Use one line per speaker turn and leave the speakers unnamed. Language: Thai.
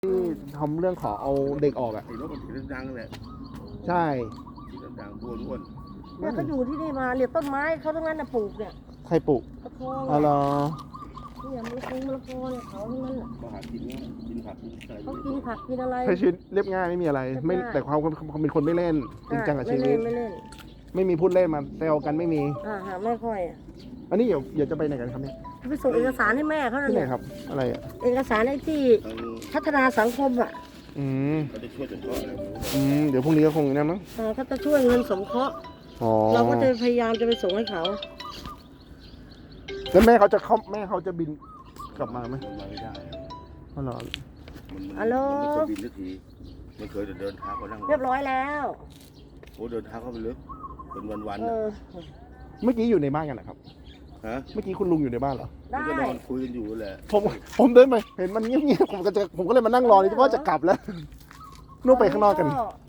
ที่ทำเรื่องขอเอาเด็กออกอ่ะ
ไอ้นกมันสีดังๆแหละ
ใช่
สีดังๆอ้วน
เนี่ยเขาอยู่ที่นี่มาเนี่ยต้นไม้เขาทั้งนั้นนะปลูกเนี่ย
ใครปลูก
ตะโพง
อ๋อเหรอ
เนี่ยมะละกอเนี่ยเขาทั้งนั้นแหละ
ๆมาหากินเนี่ยกินผักกินอะไร
เขากินผักกินอะไร
ใช้ชีวิตเรียบง่ายไม่มีอะไร ไม่
เรียบง่าย
แต่ความเป็นคนไม่เล่นจริงจังกับชีวิต
ไม่เล่น
ไม่มีพูดเล่นมาแซวกันไม่มี
หาไม่ค่อยอ่ะ
อันนี้เดี๋ยวจะไปไหนกันครับเนี่ย
ไปส่งเอกสารให้แม่เขา
ที่ไหน
เนี่ย
ครับ อะไรอ่ะ
เอกสารไอ้ที่
ทาง
พัฒนาสังคมอ่ะ
อืม
เขาจะช่วยสงเคราะห์อะไรไม่รู้
เดี๋ยวพรุ่งนี้ก็คงนั่นมั้ง
เขาจะช่วยเงินสงเคราะห์
อ๋อ
เราก็จะพยายามจะไปส่งให้เขา
แล้วแม่เขาจะบินกลับมาไหม
มันมาไม่ได้
อ๋อเหรอ
มันไม่เคยบินสักทีมันเคยเดินเท้าเขานั่ง
เรียบร้อยแล้ว
โอ้เดินเท้าเข้าไปลึกเป็นวัน
เอ
ๆนะ
อ
เมื่อกี้อยู่ในบ้านกันนะครับ
ฮะ
เมื่อกี้คุณลุงอยู่ในบ้านเหรอ
ได้
มันก็นอนคุยกันอยู่แหละ
ผมเดินไปเห็นมันเงียบๆผมก็เลยมานั่งรอนี่เพราะว่าจะกลับแล้วนู่นไปข้างนอกกัน
ก็